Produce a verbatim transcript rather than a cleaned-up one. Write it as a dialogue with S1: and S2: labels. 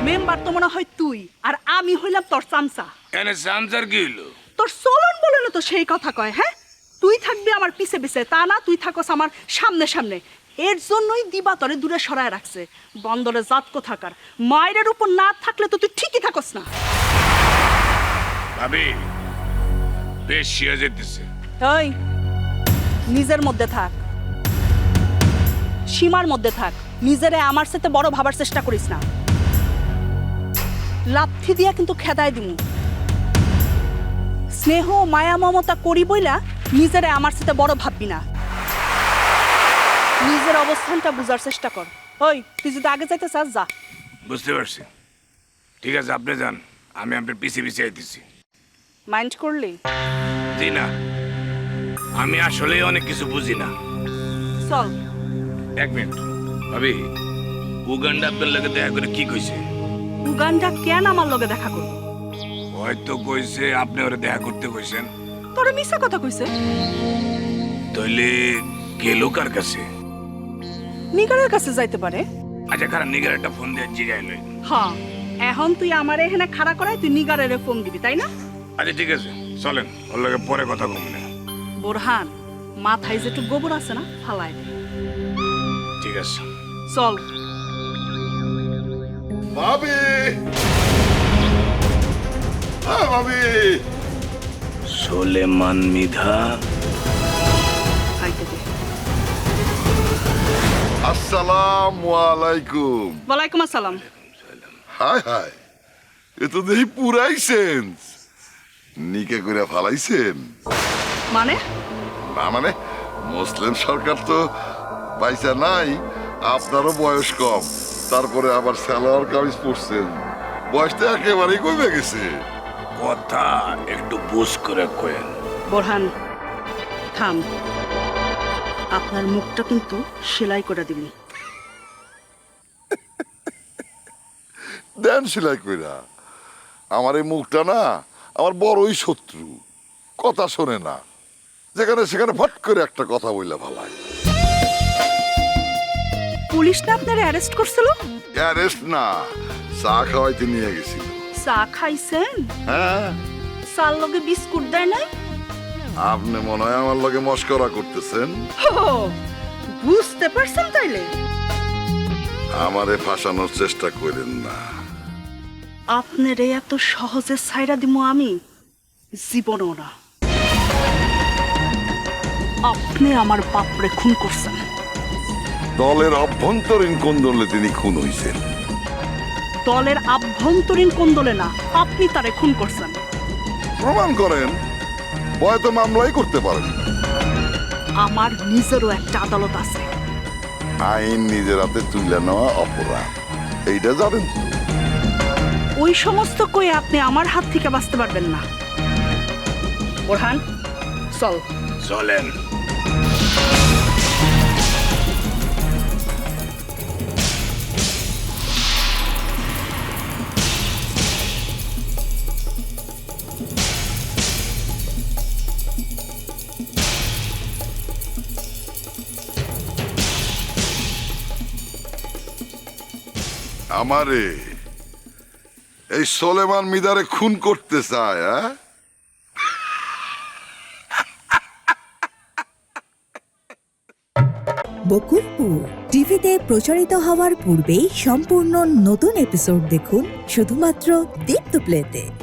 S1: Member তো মনে হয় তুই আর আমি হইলাম তোর চামচা।
S2: এনে চামচার কি হইলো?
S1: তোর চলন বলে না তো সেই কথা কয়। হ্যাঁ, তুই থাকবি আমার পিছে পিছে, তা না তুই থাকস আমার সামনে সামনে। এর জন্যই দিবা তরে দূরে সরায় রাখছে। বন্দরে জাত কোথাকার, মায়ের উপর না থাকলে তো তুই ঠিকই থাকস না।
S2: ভাবি বেশ শিয়া যেতেছে।
S1: ওই নিজের মধ্যে থাক, সীমার মধ্যে থাক। নিজেরে আমার সাথে বড় ভাবার চেষ্টা করিস না। লাথি দিয়া কিন্তু খেদায় দিমু। স্নেহ মায়া মমতা করি বইলা নিজেরে আমার সাথে বড় ভাববি না। নিজের অবস্থানটা বুঝার চেষ্টা কর। ওই তুই যদি আগে যাইতে চাস যা।
S2: বুঝতে পারছি, ঠিক আছে আপনি যান, আমি আপনার পিছিয়ে পিছিয়ে আইতেছি।
S1: মাইন্ড করলি?
S2: জি না, আমি আসলে অনেক কিছু বুঝি না।
S1: চল।
S2: এক মিনিট ভাবি, উগান্ডা আপনার লাগে দেখা করে কি কইছে?
S1: উগান্ডা কেন আমার লগে দেখা করবো?
S2: হয়তো কইছে আপনি ওরে দেখা করতে কইছেন।
S1: তোরে মিছা কথা কইছে।
S2: তাইলে গেল কার কাছে?
S1: নিগারের কাছে যাইতে পারে।
S2: আচ্ছা খারাপ, নিগার একটা ফোন দিয়ে জিগাই লই।
S1: হ্যাঁ, এখন তুই আমার এখানে খাড়া করাই তুই নিগারের ফোন দিবি, তাই না?
S2: আচ্ছা ঠিক আছে, চলেন ওর লগে পরে কথা কম না।
S1: বোরহান, মাথায় যেটু গোবর আছে না, ফালাই দে।
S2: ঠিক আছে
S1: চল।
S3: ভাবি, হ্যাঁ ভাবি।
S2: সোলেমান মিধা।
S1: আইতে দে।
S3: আসসালামু আলাইকুম।
S1: ওয়ালাইকুম আসসালাম।
S3: হাই হাই, এ তো দেখি পুরাই সেন্স। নিকে করে ফালাইছেন?
S1: মানে?
S3: না মানে, মুসলিম সরকার তো পয়সা নাই, আপনারও বয়স কম, তারপরে আবার সালোয়ার কামিজ পরছেন, বয়সটা একেবারেই কমে গেছে।
S2: কথা একটু বুঝ করে কয়েন।
S1: বোরহান থাম, আপনার মুখটা কিন্তু সেলাই করে দিবি।
S3: দেন সেলাই কইরা। আমার এই মুখটা না আমার বড়ই শত্রু, কথা শোনে না, যেখানে সেখানে ফট করে একটা কথা বললে ভালাই।
S1: পুলিশ না আপনার অ্যারেস্ট করছিল?
S3: অ্যারেস্ট না, চা খাওয়াইতে নিয়ে গেছিল।
S1: চা খাইছেন?
S3: হ্যাঁ,
S1: চার লগে বিস্কুট দেয় নাই?
S3: আপনি মনে হয় আমার লগে মস্করা করতেছেন।
S1: হো, বুঝতে পারছেন তাইলে?
S3: আমারে ফাঁসানোর চেষ্টা করেন না।
S1: আপনার এই এত সহজে ছাইরা দিমু আমি জীবনও না। আপনি আমার বাপরে খুন করছেন।
S3: দলের অভ্যন্তরীণ কোন্দলে তিনি খুন হইছেন।
S1: দলের আভ্যন্তরীণ কোন্দলে না, আপনি তারে খুন করছেন।
S3: প্রমাণ করেন, হয়তো মামলাই করতে পারেন।
S1: আমার নিজেরও একটা আদালত আছে।
S3: আইন নিজের হাতে তুলে নেওয়া অপরাধ, এইটা জানেন তো?
S1: ওই সমস্ত কই আপনি আমার হাত থেকে বাঁচতে পারবেন না। বোরহান চল।
S2: চলেন।
S3: আমারে এই সোলেমান মিদারে খুন করতে চায়, হ্যাঁ?
S4: বকুলপুর টিভিতে প্রচারিত হওয়ার পূর্বেই সম্পূর্ণ নতুন এপিসোড দেখুন শুধুমাত্র দীপ্ত প্লেতে।